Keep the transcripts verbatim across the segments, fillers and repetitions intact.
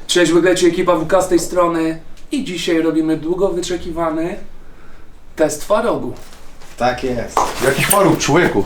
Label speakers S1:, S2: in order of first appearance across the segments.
S1: Cześć, wygleci ekipa W K z tej strony i dzisiaj robimy długo wyczekiwany test twarogu.
S2: Tak jest.
S3: Jaki twaróg, człowieku?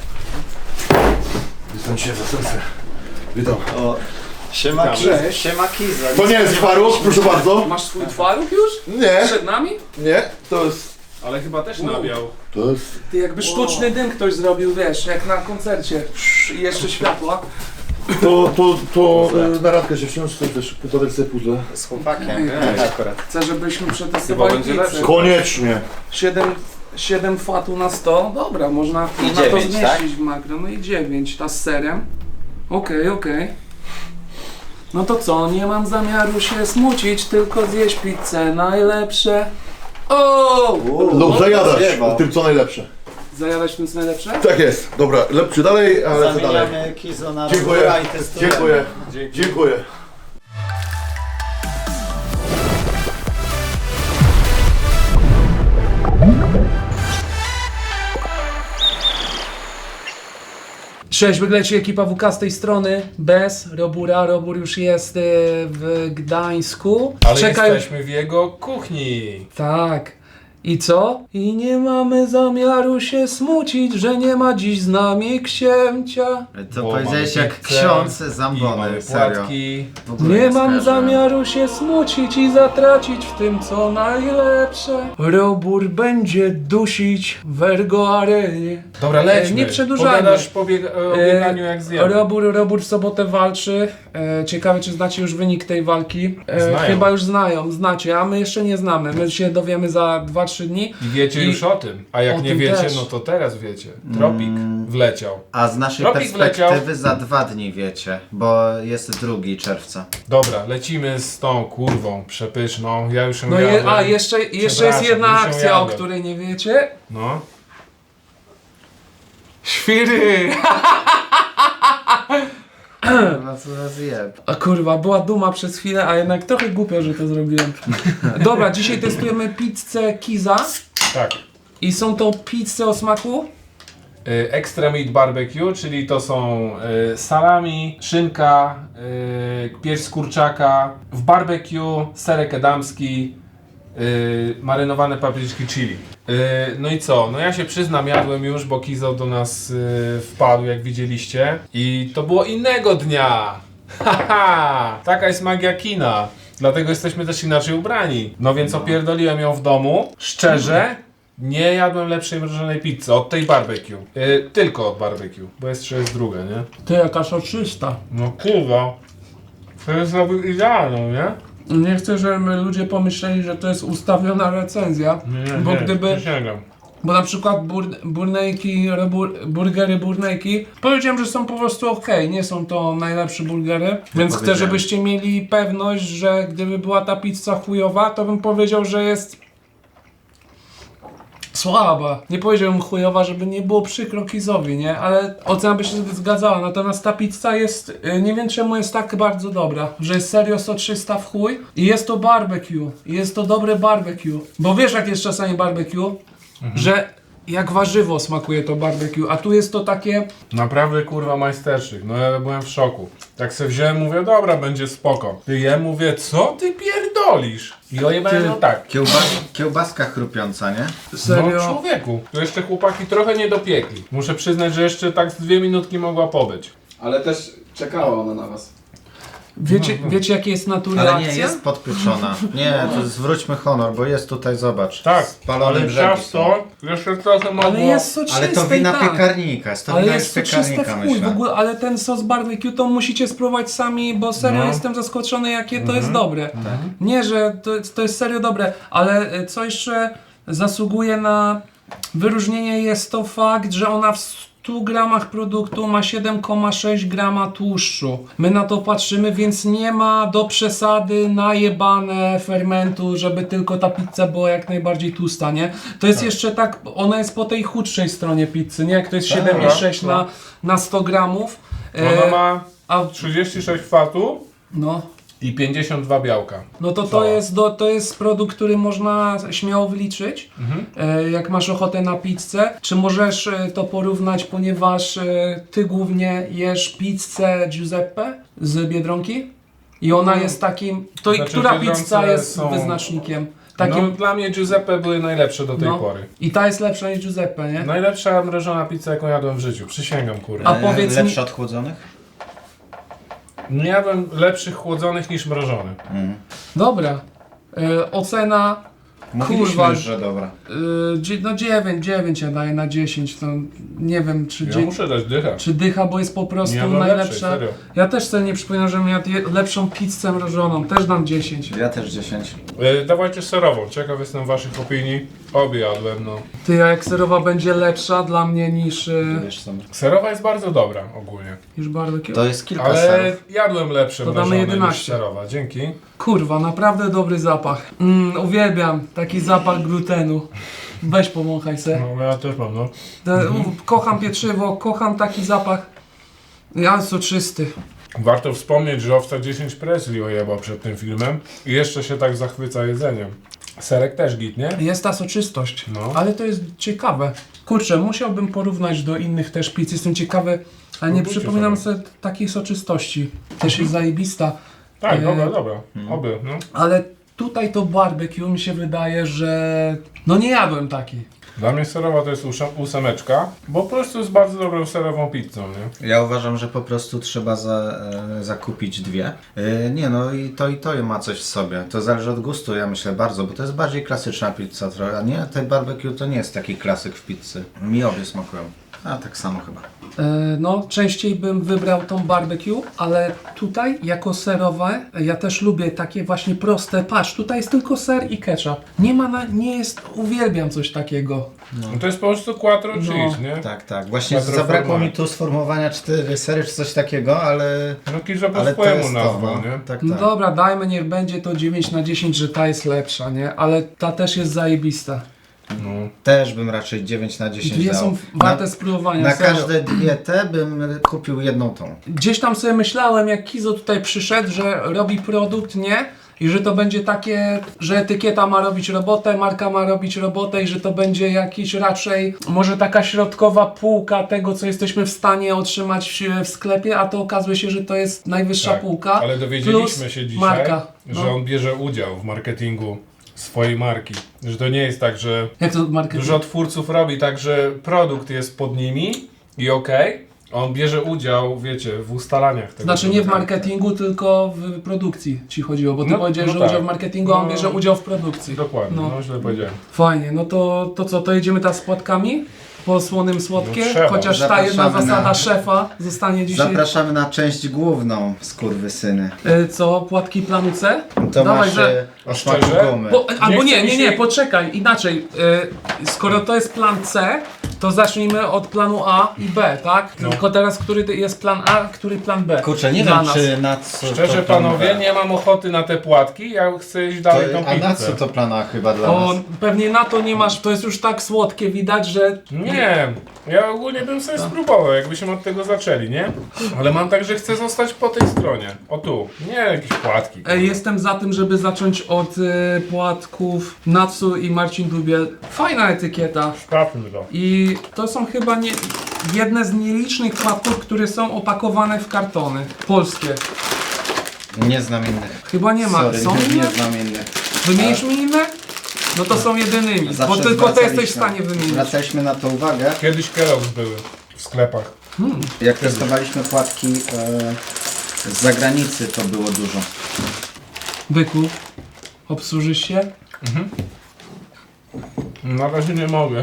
S3: Witam cię za serce. Witam.
S2: O, siema Kiza. Siema Kiza.
S3: To nie jest twaróg, proszę bardzo.
S1: Masz swój twaróg już?
S3: Nie,
S1: Przed nami?
S3: nie, to jest...
S4: Ale chyba też nawiał.
S3: To jest...
S1: Ty jakby sztuczny dym ktoś zrobił, wiesz, jak na koncercie. I jeszcze światła.
S3: To, to, to e, na randkę się wsiąść, to też układać sobie puzzle.
S2: Z chłopakiem,
S1: Ej,
S2: wiesz, akurat.
S1: Chcę, żebyśmy przetestowali
S4: będzie
S1: pizzę.
S4: lepszy.
S3: Koniecznie.
S1: siedem fatu na sto, dobra, można,
S2: I
S1: można to
S2: dziewięć,
S1: zmieścić
S2: tak?
S1: w makro. No i dziewięć, ta z serem. Okej, okay, okej. Okay. No to co, nie mam zamiaru się smucić, tylko zjeść pizzę najlepsze. O!
S3: Lub zajadasz
S2: zjeba.
S3: tym co najlepsze.
S1: Zajadać tym co najlepsze?
S3: Tak jest. Dobra, lepszy dalej, ale co dalej.
S2: Zamieniamy Kizo na
S3: Dziękuję,
S2: Robura i testujemy.
S3: dziękuję,
S4: Dzięki.
S3: dziękuję.
S1: Cześć, wygleci ekipa W K z tej strony, bez Robura. Robur już jest y, w Gdańsku.
S4: Ale
S1: Czeka już-
S4: jesteśmy w jego kuchni.
S1: Tak. I co? I nie mamy zamiaru się smucić, że nie ma dziś z nami księcia.
S2: To
S4: Bo
S2: powiedziałeś
S4: mamy
S2: jak
S4: pizzę
S2: ksiądz
S4: i mamy
S2: zambony, serio.
S4: płatki.
S2: W ogóle
S1: Nie mam
S2: skojarzyłem.
S1: zamiaru się smucić i zatracić w tym co najlepsze. Robur będzie dusić w Ergo Arenie.
S4: Dobra, lećmy.
S1: Nie przedłużajmy.
S4: Pogadasz po bieg- o bieganiu jak zjemy.
S1: Robur, Robur w sobotę walczy. E, ciekawe, czy znacie już wynik tej walki. E,
S4: Znają.
S1: chyba już znają, znacie, a my jeszcze nie znamy. My się dowiemy za dwa trzy dni.
S4: I wiecie
S1: I-
S4: już o tym. A jak
S1: o
S4: nie
S1: tym
S4: wiecie,
S1: też.
S4: no to teraz wiecie. Tropik wleciał.
S2: A z naszej
S4: Tropik
S2: perspektywy
S4: wleciał.
S2: za dwa dni wiecie, bo jest drugi czerwca.
S4: Dobra, lecimy z tą kurwą przepyszną. Ja już ją
S1: No je,
S4: jadłem.
S1: a jeszcze, jeszcze jest
S4: Przepraszam,
S1: jedna
S4: już ją
S1: akcja, o
S4: jadłem.
S1: której nie wiecie.
S4: No.
S1: Świry!
S2: No co za zjeb.
S1: A kurwa, była duma przez chwilę, a jednak trochę głupio, że to zrobiłem. Dobra, dzisiaj testujemy pizzę Kiza.
S4: Tak.
S1: I są to pizze o smaku?
S4: Y, Extra Meat Barbecue, czyli to są y, salami, szynka, y, pierś z kurczaka, w barbecue, serek edamski, y, marynowane papryczki chili. Y, no i co? No ja się przyznam, jadłem już, bo Kizo do nas y, wpadł, jak widzieliście. I to było innego dnia. Haha! Taka jest magia kina. Dlatego jesteśmy też inaczej ubrani. No więc opierdoliłem ją w domu. Szczerze, nie jadłem lepszej mrożonej pizzy od tej barbecue. Yy, tylko od barbecue, bo jeszcze jest druga, nie?
S1: To jaka soczysta.
S4: No kurwa. To jest robił idealną, nie?
S1: Nie chcę, żeby ludzie pomyśleli, że to jest ustawiona recenzja.
S4: Nie, nie,
S1: Bo
S4: nie,
S1: gdyby-
S4: nie sięgam.
S1: Bo na przykład bur, burnejki, rebur, burgery burnejki, powiedziałem, że są po prostu ok, nie są to najlepsze burgery, więc chcę,
S2: powiedziałem.
S1: żebyście mieli pewność, że gdyby była ta pizza chujowa, to bym powiedział, że jest słaba. Nie powiedziałbym chujowa, żeby nie było przykro Kizowi, nie? Ale ocena by się zgadzała, natomiast ta pizza jest, y, nie wiem czemu jest tak bardzo dobra, że jest serio soczysta w chuj i jest to barbecue, i jest to dobre barbecue, bo wiesz jak jest czasami barbecue, że jak warzywo smakuje to barbecue, a tu jest to takie...
S4: Naprawdę kurwa majstersztyk, no ja byłem w szoku. Tak se wziąłem, mówię, dobra, będzie spoko. Ty je, mówię, co ty pierdolisz? I ojebałem
S1: Ty-
S4: ją tak.
S2: Kiełba kiełbaska chrupiąca, nie?
S4: No
S1: Serio...
S4: człowieku, to jeszcze chłopaki trochę nie dopiekli. Muszę przyznać, że jeszcze tak z dwie minutki mogła pobyć.
S5: Ale też czekała ona na was.
S1: Wiecie, wiecie jakie jest natury
S2: Ale
S1: akcja?
S2: nie, jest podpieczona. Nie, to zwróćmy honor, bo jest tutaj, zobacz.
S4: Tak,
S2: Spalone
S4: ale
S2: brzegi
S4: ciasto jeszcze trochę mogło...
S1: Ale jest soczyste
S2: Ale to wina
S1: i tak.
S2: piekarnika, jest to
S1: Ale
S2: wina
S1: jest
S2: z
S1: soczyste
S2: piekarnika,
S1: w chuj w
S2: myślę.
S1: ogóle, ale ten sos barbecue to musicie spróbować sami, bo serio
S4: No.
S1: jestem zaskoczony jakie to jest dobre. Nie, że to, to jest serio dobre, ale e, co jeszcze zasługuje na wyróżnienie jest to fakt, że ona w stu gramach produktu ma siedem przecinek sześć grama tłuszczu. My na to patrzymy, więc nie ma do przesady najebane fermentu, żeby tylko ta pizza była jak najbardziej tłusta, nie? To jest jeszcze tak, ona jest po tej chudszej stronie pizzy, nie? Jak to jest siedem przecinek sześć
S4: tak.
S1: na, na sto gramów.
S4: Ona
S1: E,
S4: ma
S1: a,
S4: trzydzieści sześć fatu
S1: no.
S4: i pięćdziesiąt dwa białka.
S1: No to to
S4: Cała.
S1: jest, do, to jest produkt, który można śmiało wyliczyć,
S4: Mhm.
S1: e, jak masz ochotę na pizzę. Czy możesz e, to porównać, ponieważ e, ty głównie jesz pizzę Giuseppe z Biedronki? I ona jest takim... To i
S4: Znaczy,
S1: która
S4: Biedronce
S1: pizza jest
S4: są-
S1: wyznacznikiem? Takim...
S4: No, dla mnie Giuseppe były najlepsze do tej
S1: No.
S4: pory.
S1: I ta jest lepsza niż Giuseppe, nie?
S4: Najlepsza mrożona pizza, jaką jadłem w życiu. Przysięgam, kurwa.
S1: A powiedz mi-
S2: Lepsze od chłodzonych?
S4: Nie jadłem lepszych chłodzonych niż mrożonych.
S2: Mm.
S1: Dobra. E, ocena...
S2: Mówiliśmy
S1: Kurwa.
S2: już, że dobra.
S1: E, dzie- no dziewięć, dziewięć ja daję na dziesięć. To nie wiem, czy...
S4: Ja
S1: dzie-
S4: muszę dać dychę.
S1: Czy dycha, bo jest po prostu
S4: Nie jadłem lepszej,
S1: najlepsza.
S4: serio.
S1: Ja też sobie nie przypominam, że miał lepszą pizzę mrożoną. Też dam dziesięć.
S2: Ja też dziesięć.
S4: E, dawajcie serową, ciekaw jestem waszych opinii. Obie jadłem, no.
S1: Ty, a jak serowa będzie lepsza dla mnie niż, e,
S2: Wiesz co?
S4: Serowa jest bardzo dobra ogólnie.
S1: niż barbecue?
S2: To jest kilka
S4: Ale
S2: serów.
S4: jadłem lepsze
S1: To damy
S4: mrożone niż
S1: jedenaście.
S4: serowa, dzięki.
S1: Kurwa, naprawdę dobry zapach. Mm, uwielbiam taki zapach glutenu. Weź pomąchaj se.
S4: No ja też mam, no.
S1: Te, u, kocham pieczywo, kocham taki zapach. Ja soczysty.
S4: Warto wspomnieć, że Owca dziesięć Presley ojebał przed tym filmem i jeszcze się tak zachwyca jedzeniem. Serek też git, nie?
S1: Jest ta soczystość,
S4: No.
S1: ale to jest ciekawe. Kurczę, musiałbym porównać do innych też pizz. Jestem ciekawy, ale nie
S4: Próbujcie
S1: przypominam
S4: sobie.
S1: sobie takiej soczystości. Też jest zajebista.
S4: Tak,
S1: E,
S4: dobra, dobra. Oby, no.
S1: Ale tutaj to barbecue mi się wydaje, że... No nie jadłem takiej.
S4: Dla mnie serowa to jest ósem- ósemeczka, bo po prostu jest bardzo dobrą serową pizzą, nie?
S2: Ja uważam, że po prostu trzeba za, e, zakupić dwie. E, nie no i to i to ma coś w sobie. To zależy od gustu, ja myślę bardzo, bo to jest bardziej klasyczna pizza trochę, a nie? Te barbecue to nie jest taki klasyk w pizzy. Mi obie smakują. A tak samo chyba.
S1: E, No, częściej bym wybrał tą barbecue, ale tutaj jako serowe, ja też lubię takie właśnie proste. Patrz, tutaj jest tylko ser i ketchup. Nie ma, na, nie jest, uwielbiam coś takiego.
S4: No to jest po prostu quattro
S1: No.
S4: cheese, nie?
S2: Tak, tak. Właśnie
S4: Quattro
S2: zabrakło
S4: formale.
S2: mi tu sformułowania cztery sery czy coś takiego, ale...
S4: No Kizo po
S2: Ale to
S4: swojemu
S2: jest to,
S4: nazwał,
S2: no.
S4: nie?
S2: Tak,
S1: No
S2: tak.
S1: dobra, dajmy, niech będzie to dziewięć na dziesięć, że ta jest lepsza, nie? Ale ta też jest zajebista.
S4: No.
S2: Też bym raczej dziewięć na dziesięć
S1: Dwie
S2: dał.
S1: są warte
S2: na,
S1: spróbowania,
S2: na
S1: serio.
S2: każde dietę bym kupił jedną tą.
S1: Gdzieś tam sobie myślałem, jak Kizo tutaj przyszedł, że robi produkt, nie? I że to będzie takie, że etykieta ma robić robotę, marka ma robić robotę i że to będzie jakiś raczej, może taka środkowa półka tego, co jesteśmy w stanie otrzymać w sklepie, a to okazuje się, że to jest najwyższa
S4: Tak,
S1: półka.
S4: ale dowiedzieliśmy
S1: plus
S4: się dzisiaj,
S1: marka.
S4: że
S1: No.
S4: on bierze udział w marketingu swojej marki. Że to nie jest tak, że
S1: Jak to marketing?
S4: dużo twórców robi tak, że produkt jest pod nimi i okej, a on bierze udział, wiecie, w ustalaniach tego.
S1: Znaczy nie w
S4: produktu.
S1: marketingu, tylko w produkcji ci chodziło, bo ty
S4: No-
S1: powiedziałeś,
S4: no
S1: że
S4: tak.
S1: udział w marketingu, a on
S4: No.
S1: bierze udział w produkcji.
S4: Dokładnie,
S1: No.
S4: no, źle powiedziałem.
S1: Fajnie, no to, to co, to jedziemy teraz z płatkami? Po słonym słodkie?
S4: No trzeba.
S1: Chociaż ta jedna
S2: Zapraszamy
S1: zasada
S2: na-
S1: szefa zostanie dzisiaj.
S2: Zapraszamy na część główną, skurwysyny.
S1: Y, Co, płatki planu C?
S2: To
S1: Dawaj,
S2: masz
S1: że-
S2: e, o smaku
S4: Szczerze?
S2: gumy.
S1: Bo, albo
S4: chce
S1: nie,
S4: mi
S1: nie,
S4: się-
S1: nie, poczekaj, inaczej. Y, skoro to jest plan C, to zacznijmy od planu A i B, tak?
S4: No.
S1: Tylko teraz, który jest plan A, który plan B?
S2: Kurczę, nie
S1: Dla
S2: wiem
S1: nas.
S2: czy na co
S4: Szczerze
S2: to plan
S4: panowie,
S2: B.
S4: nie mam ochoty na te płatki, ja chcę iść
S2: To,
S4: dalej tą
S2: a na
S4: pizzę.
S2: co to plana chyba dla
S1: O,
S2: nas?
S1: pewnie na to nie masz, to jest już tak słodkie, widać, że...
S4: Nie, ja ogólnie bym sobie spróbował, jakbyśmy od tego zaczęli, nie? Ale mam tak, że chcę zostać po tej stronie. O tu, nie jakieś płatki.
S1: E, Jestem za tym, żeby zacząć od y, płatków Natsu i Marcin Dubiel. Fajna etykieta.
S4: Sprawdźmy to.
S1: I to są chyba nie, jedne z nielicznych płatków, które są opakowane w kartony. Polskie.
S2: Nie znam innych.
S1: Chyba nie ma.
S2: Sorry,
S1: Są
S2: nie,
S1: inne?
S2: nie znam innych.
S1: Wymienisz mi inne? No to są jedynymi, bo
S2: Zawsze
S1: tylko te jesteś w
S2: zwracaliśmy-
S1: stanie wymienić.
S2: Zwracaliśmy na to uwagę,
S4: Kiedyś Kellogg's były w sklepach.
S2: jak testowaliśmy płatki e, z zagranicy, to było dużo.
S1: Byku, obsłużysz się?
S4: Na razie nie mogę.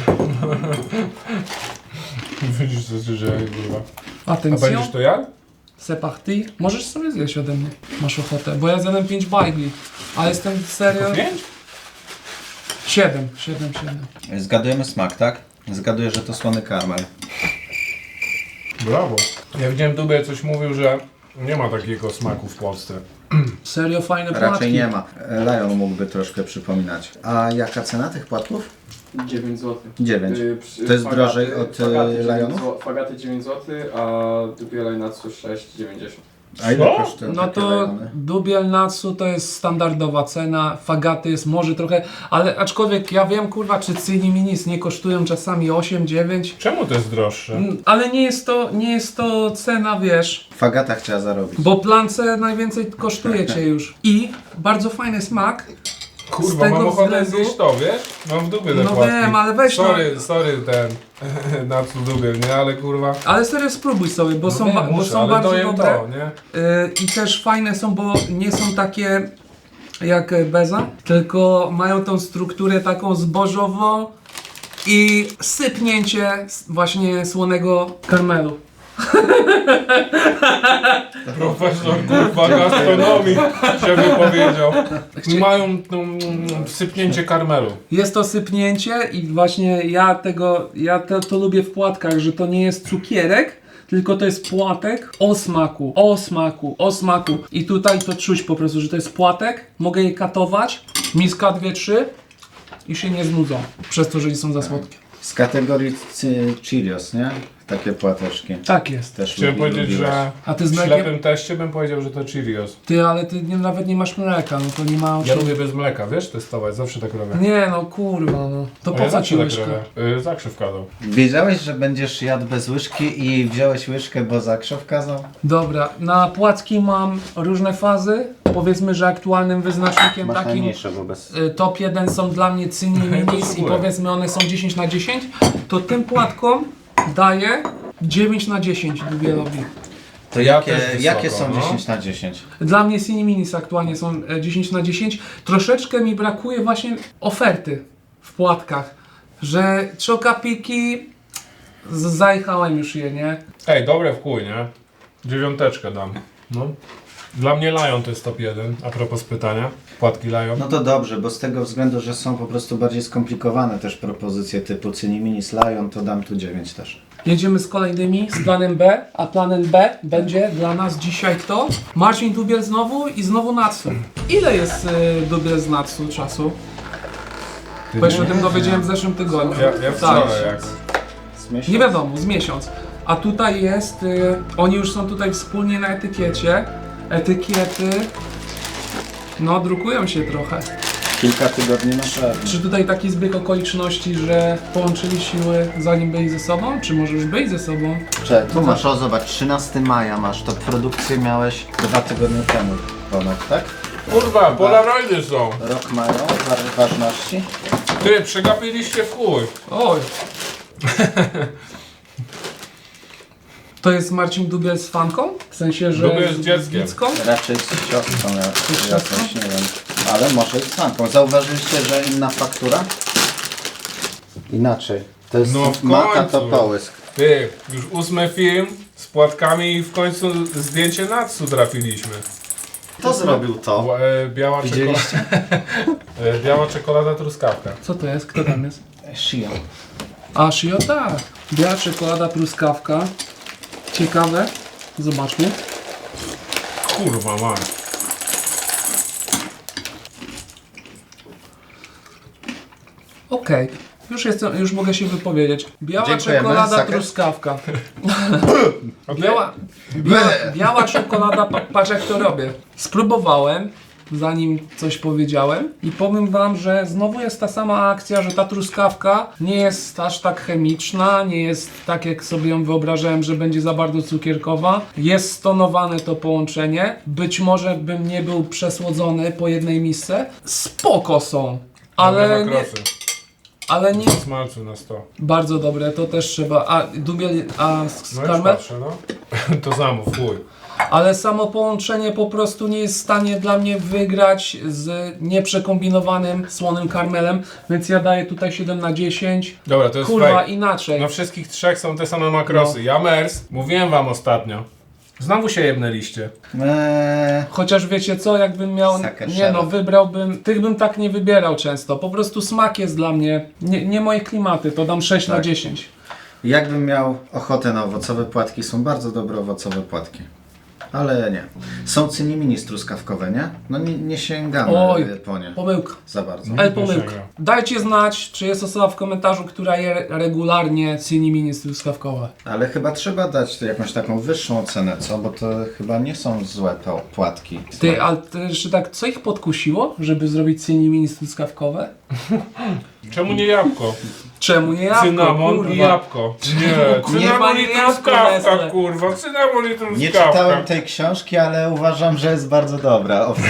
S4: Widzisz co się dzieje, kurwa. A
S1: Atencją.
S4: będziesz to jadł?
S1: C'est parti. Możesz sobie zjeść ode mnie. Masz ochotę, bo ja zjadłem pięć bajgli. A jestem serio...
S4: Pięć?
S1: siedem, siedem, siedem.
S2: Zgadujemy smak, tak? Zgaduję, że to słony karmel.
S4: Brawo. Ja widziałem Dubie coś mówił, że nie ma takiego smaku w Polsce.
S1: Serio fajne płatki.
S2: Raczej nie ma. Lion mógłby troszkę przypominać. A jaka cena tych płatków?
S5: dziewięć złotych.
S2: dziewięć.
S5: Y, przy-
S2: To jest
S5: fagaty-
S2: drożej od, y,
S5: fagaty dziewięć
S2: Lionów?
S5: zł- Fagaty dziewięć złotych, a Dubielaj na co sześć dziewięćdziesiąt.
S2: A ile
S4: Co?
S2: kosztują
S1: No
S2: takie
S1: to
S2: rejony?
S1: dubiel Natsu to jest standardowa cena, fagaty jest może trochę, ale aczkolwiek ja wiem kurwa, czy Cini Minis nie kosztują czasami osiem dziewięć,
S4: Czemu to jest droższe?
S1: Mm, ale nie jest to, nie jest to cena, wiesz,
S2: Fagata chciała zarobić.
S1: bo plance najwięcej kosztuje cię już. I bardzo fajny smak. z
S4: Kurwa,
S1: tego
S4: mam ochotę
S1: względu-
S4: zjeść to, wiesz? Mam w dupie te
S1: No
S4: płatki.
S1: wiem, ale weź no-
S4: Sorry, sorry ten, na co dubiel, nie? Ale kurwa...
S1: Ale serio spróbuj sobie, bo
S4: No
S1: są,
S4: wiem,
S1: ba- bo
S4: muszę,
S1: są
S4: ale
S1: bardzo
S4: dojem
S1: dobre.
S4: to, nie?
S1: Y, I też fajne są, bo nie są takie jak beza, tylko mają tą strukturę taką zbożową i sypnięcie s- właśnie słonego karmelu.
S4: Profesor kurwa gastronomii się wypowiedział. Mają no, mm, sypnięcie karmelu.
S1: Jest to sypnięcie i właśnie ja tego, ja to, to lubię w płatkach, że to nie jest cukierek, tylko to jest płatek o smaku, o smaku, o smaku. I tutaj to czuć po prostu, że to jest płatek, mogę je katować, miska dwie, trzy i się nie znudzą, przez to, że nie są za słodkie.
S2: Z kategorii Ci- Cheerios, nie? Takie płateczki.
S1: Tak jest.
S2: Też
S4: Chciałem
S2: lubi-
S4: powiedzieć,
S2: lubiłeś.
S4: że
S1: A ty z
S4: w
S1: mlekiem?
S4: ślepym teście bym powiedział, że to Cheerios.
S1: Ty, ale ty nie, nawet nie masz mleka, no to nie ma o
S4: Ja
S1: czym-
S4: lubię bez mleka, wiesz, testować, zawsze tak robię.
S1: Nie no, kurwa no. To
S4: A
S1: po
S4: ja
S1: co ci
S4: zawsze
S1: łyżka?
S4: tak robię. Yy, zakrzyw kazał.
S2: Wiedziałeś, że będziesz jadł bez łyżki i wziąłeś łyżkę, bo zakrzew kazał?
S1: Dobra, na płatki mam różne fazy. Powiedzmy, że aktualnym wyznacznikiem
S2: Masz
S1: takim
S2: najmniejsze, bo bez...
S1: y, top jeden są dla mnie Cini Minis i
S4: Potrzebuję.
S1: powiedzmy one są dziesięć na dziesięć, to tym płatkom daję dziewięć na dziesięć dubielowi.
S2: To
S4: Ja
S2: jakie,
S4: też wysoko,
S2: jakie są
S4: no.
S2: dziesięć na dziesięć?
S1: Dla mnie Cini Minis aktualnie są e, dziesięć na dziesięć. Troszeczkę mi brakuje właśnie oferty w płatkach, że czokapiki z- zajechałem już je, nie?
S4: Ej, dobre w chuj, nie? Dziewiąteczkę dam. No. Dla mnie Lion to jest top jeden, a propos pytania. Płatki Lion.
S2: No to dobrze, bo z tego względu, że są po prostu bardziej skomplikowane też propozycje typu Cini Minis Lion, to dam tu dziewięć też.
S1: Jedziemy z kolejnymi, z planem B, a planem B będzie dla nas dzisiaj kto? Marcin Dubiel znowu i znowu Natsu. Ile jest y, Dubiel z Natsu czasu? Bo ja się o tym dowiedziałem w zeszłym tygodniu.
S4: Ja, ja wczoraj
S1: Tak.
S4: jak...
S2: Z miesiąc?
S1: Nie wiadomo, z miesiąc. A tutaj jest, y, oni już są tutaj wspólnie na etykiecie. Etykiety, no drukują się trochę.
S2: Kilka tygodni na pewno.
S1: Czy tutaj taki zbieg okoliczności, że połączyli siły zanim byli ze sobą? Czy może już byli ze sobą?
S2: Czekaj, tu masz, o zobacz, trzynastego maja masz, to produkcję miałeś dwa tygodnie temu ponad, tak?
S4: Kurwa, Polaroidy są!
S2: Rok mają wa- ważności.
S4: Ty, przegapiliście w chuj.
S1: Oj! To jest Marcin Dubiel z fanką? W sensie, że
S4: Dubiel z dzieckiem.
S1: Wicką?
S2: Raczej z siostrą ja-
S1: Z
S2: jakoś,
S1: siostrą?
S2: nie wiem. Ale może i z fanką. Zauważyliście, że inna faktura? Inaczej. To jest
S4: No w
S2: maka to
S4: końcu.
S2: połysk.
S4: Ty, już ósmy film z płatkami i w końcu zdjęcie Natsu trafiliśmy.
S2: Kto zrobił to?
S4: E, biała, czekolada,
S2: Widzieliście?
S4: e, biała czekolada truskawka.
S1: Co to jest? Kto tam jest?
S2: Shio.
S1: A, Shio, tak. Biała czekolada, truskawka. Ciekawe. Zobaczmy.
S4: Kurwa, mam.
S1: Okej. Już, jestem, już mogę się wypowiedzieć. Biała
S2: Dziękujemy.
S1: czekolada,
S2: Saker?
S1: truskawka.
S4: Okay.
S1: Biała, biała, biała czekolada, pa, patrz jak to robię. Spróbowałem, zanim coś powiedziałem i powiem wam, że znowu jest ta sama akcja, że ta truskawka nie jest aż tak chemiczna, nie jest tak jak sobie ją wyobrażałem, że będzie za bardzo cukierkowa. Jest stonowane to połączenie. Być może bym nie był przesłodzony po jednej misce. Spoko są, ale nie, ale nie
S4: Smalcu na sto.
S1: bardzo dobre, to też trzeba. A dubiel, a z
S4: No już
S1: karmel?
S4: patrzę, no. To zamów, chuj.
S1: Ale samo połączenie po prostu nie jest w stanie dla mnie wygrać z nieprzekombinowanym słonym karmelem, więc ja daję tutaj siedem na dziesięć.
S4: Dobra, to jest
S1: Kurwa,
S4: fake.
S1: inaczej.
S4: Na wszystkich trzech są te same makrosy.
S1: No.
S4: Ja Mers, mówiłem wam ostatnio. Znowu się jebnęliście.
S2: Eee,
S1: Chociaż wiecie co, jakbym miał,
S2: Sucker
S1: nie
S2: shadow.
S1: no, wybrałbym, tych bym tak nie wybierał często. Po prostu smak jest dla mnie, nie, nie moje klimaty, to dam sześć na
S2: Tak.
S1: dziesięć.
S2: jakbym miał ochotę na owocowe płatki, są bardzo dobre owocowe płatki. Ale nie. Są cyniminis truskawkowe, nie? No nie, nie sięgamy
S1: Oj,
S2: po nie
S1: Pomyłka.
S2: za bardzo.
S1: Ale pomyłka. Dajcie znać, czy jest osoba w komentarzu, która je regularnie ciniminis truskawkowe.
S2: Ale chyba trzeba dać jakąś taką wyższą ocenę, co? Bo to chyba nie są złe to płatki.
S1: Ty, ale ty jeszcze tak, co ich podkusiło, żeby zrobić ciniminis truskawkowe?
S4: Czemu nie jabłko?
S1: Czemu nie jabłko,
S4: Cynamon
S1: kurwa?
S4: i jabłko. Nie,
S1: Nie ma
S4: cynamon i
S1: jabłka,
S4: truskawka,
S1: Nestle.
S4: kurwa. Cynamon i truskawka.
S2: Nie czytałem tej książki, ale uważam, że jest bardzo dobra. Owszem.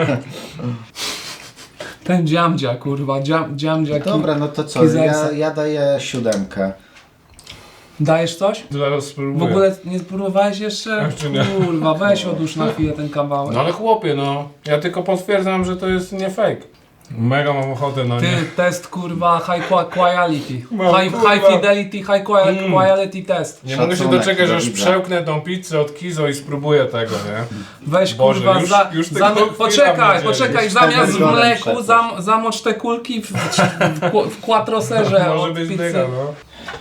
S1: Ten dziamdzia, kurwa, dziam, dziamdzia.
S2: Dobra, no to co?
S1: Kizersa.
S2: Ja, ja daję siódemkę.
S1: Dajesz coś?
S4: Zaraz
S1: W
S4: spróbuję.
S1: ogóle nie spróbowałeś jeszcze?
S4: Jeszcze nie.
S1: Kurwa, weź odłóż na chwilę ten kawałek.
S4: No ale chłopie, no. Ja tylko potwierdzam, że to jest nie fake. Mega mam ochotę na
S1: Ty,
S4: nie.
S1: test kurwa high qua- quality.
S4: Mam,
S1: High,
S4: kurwa.
S1: high fidelity, high qua-
S4: Mm.
S1: quality test.
S4: Nie mogę się
S2: Szacunek
S4: doczekać,
S2: do
S4: aż
S2: widza.
S4: przełknę tą pizzę od Kizo i spróbuję tego, nie?
S1: Weź
S4: Boże,
S1: kurwa,
S4: już-
S1: za,
S4: już tego
S1: za,
S4: chwila
S1: poczekaj,
S4: mnie
S1: poczekaj,
S2: dzieli.
S1: zamiast w
S2: Cztery
S1: mleku
S2: godziny
S1: zam, zamocz te kulki w, w, w, w quattroserze
S4: Może
S1: od
S4: być
S1: pizzy.
S4: dyga, no.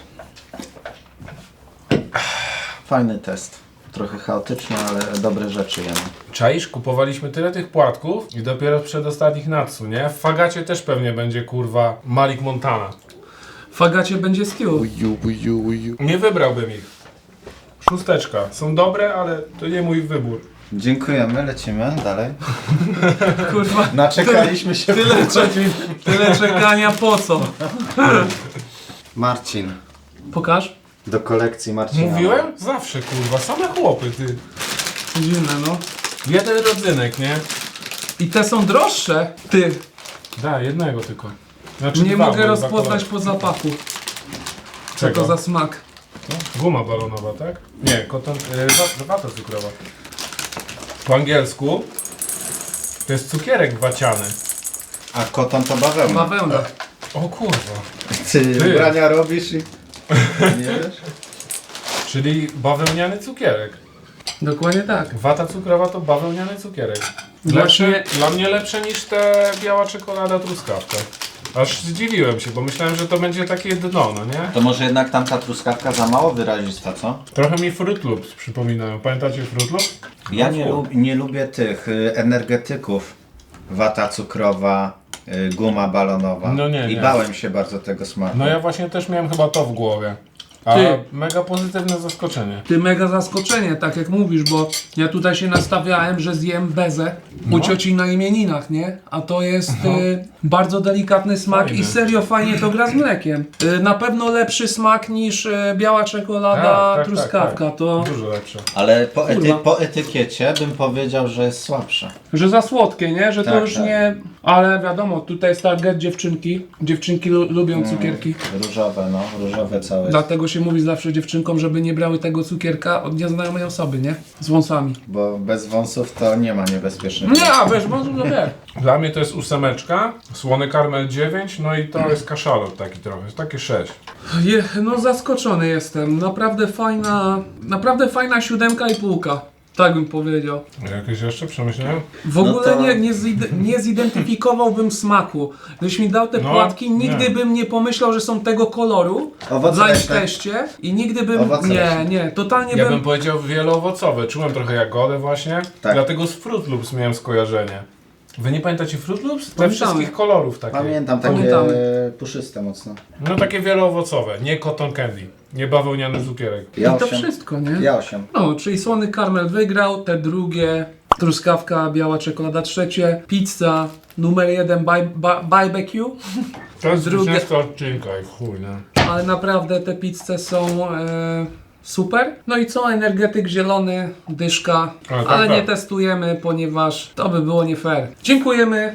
S2: Fajny test. Trochę chaotyczny, ale dobre rzeczy jemy.
S4: Czaisz, kupowaliśmy tyle tych płatków i dopiero w przedostatnich Natsu, nie? W Fagacie też pewnie będzie, kurwa, Malik Montana.
S1: W Fagacie będzie stew.
S4: Nie wybrałbym ich. Szósteczka. Są dobre, ale to nie mój wybór.
S2: Dziękujemy, lecimy dalej.
S1: Kurwa,
S2: Naczekaliśmy się.
S1: tyle, cze- tyle czekania po co?
S2: Marcin.
S1: Pokaż.
S2: Do kolekcji Marcina.
S4: Mówiłem? Zawsze, kurwa. Same chłopy, ty.
S1: Dziwne, no.
S4: Jeden rodzynek, nie?
S1: I te są droższe. Ty,
S4: Da, jednego tylko. Znaczy
S1: nie
S4: dwa,
S1: mogę
S4: bo
S1: rozpoznać
S4: dwa
S1: po zapachu. Co
S4: Czego?
S1: to za smak?
S4: kolor. Guma balonowa, tak? Nie, koton... Yy, wata cukrowa. Po angielsku to jest cukierek waciany.
S2: A koton to bawełna.
S1: Bawełna.
S4: O kurwa.
S2: Ty,
S4: Ty.
S2: ubrania robisz i... Nie wiesz?
S4: Czyli bawełniany cukierek.
S1: Dokładnie tak.
S4: Wata cukrowa to bawełniany cukierek.
S1: Właśnie-
S4: Lepsze, dla mnie lepsze niż te biała czekolada truskawka. Aż zdziwiłem się, bo myślałem, że to będzie takie dno, no nie?
S2: To może jednak tamta truskawka za mało wyrazista, co?
S4: Trochę mi Fruit Loops przypominają. Pamiętacie Fruit Loops?
S2: Ja
S4: No,
S2: nie,
S4: fu.
S2: lub, nie lubię tych y, energetyków. Wata cukrowa, y, guma balonowa.
S4: No nie,
S2: I
S4: nie.
S2: bałem się bardzo tego smaku.
S4: No ja właśnie też miałem chyba to w głowie. A
S1: Ty.
S4: mega pozytywne zaskoczenie.
S1: Ty mega zaskoczenie, tak jak mówisz, bo ja tutaj się nastawiałem, że zjem bezę u
S4: No.
S1: cioci na imieninach, nie? A to jest y, bardzo delikatny smak
S4: Fajny.
S1: i serio fajnie to gra z mlekiem. Y, na pewno lepszy smak niż y, biała czekolada,
S4: Tak, tak,
S1: truskawka.
S4: tak, tak.
S1: To,
S4: Dużo lepsze.
S2: Ale po, ety,
S1: Kurwa.
S2: po etykiecie bym powiedział, że jest słabsze.
S1: że za słodkie, nie? Że to
S2: Tak,
S1: już
S2: tak.
S1: nie... Ale wiadomo, tutaj jest target dziewczynki. Dziewczynki lu- lubią
S2: Mm.
S1: cukierki.
S2: Różowe, no. Różowe całe jest.
S1: Dlatego się mówi zawsze dziewczynkom, żeby nie brały tego cukierka od nieznajomej osoby, nie? Z wąsami.
S2: Bo bez wąsów to nie ma niebezpiecznych.
S1: Nie, a wiesz, wąsów to wie.
S4: Dla mnie to jest ósemeczka, słony karmel dziewięć, no i to jest kaszalot taki trochę, jest takie sześć.
S1: Je, no zaskoczony jestem. Naprawdę fajna, naprawdę fajna siódemka i półka. Tak bym powiedział.
S4: Jakieś jeszcze przemyślałem?
S1: W
S2: No
S1: ogóle
S2: to-
S1: nie, nie, zide, nie zidentyfikowałbym smaku. Gdybyś mi dał te
S4: No,
S1: płatki, nigdy
S4: nie.
S1: bym nie pomyślał, że są tego koloru.
S2: Owoce
S1: Za ich
S2: leśne.
S1: teście. I nigdy bym...
S2: Owoce
S1: nie,
S2: leśne.
S1: nie, totalnie
S4: Ja
S1: bym...
S4: bym powiedział wieloowocowe, czułem trochę jagodę właśnie,
S2: Tak.
S4: dlatego z Fruit Loops miałem skojarzenie. Wy nie pamiętacie Fruit Loops? Te
S1: Pamiętamy.
S4: wszystkich kolorów takie.
S2: Pamiętam, takie
S1: Pamiętamy.
S2: puszyste mocno.
S4: No takie wieloowocowe, nie cotton candy, nie bawełniany cukierek.
S2: Ja
S1: I to
S2: osiem.
S1: wszystko, nie?
S2: Ja osiem.
S1: No, czyli słony karmel wygrał, te drugie, truskawka, biała czekolada trzecie, pizza numer jeden, bar- ba- barbecue,
S4: To jest
S1: Drugie-
S4: zwycięstwo odcinka i chuj, no.
S1: ale naprawdę te pizze są e, super. No i co, energetyk zielony, dyszka,
S4: A, tak,
S1: ale nie
S4: tak.
S1: testujemy, ponieważ to by było nie fair. Dziękujemy.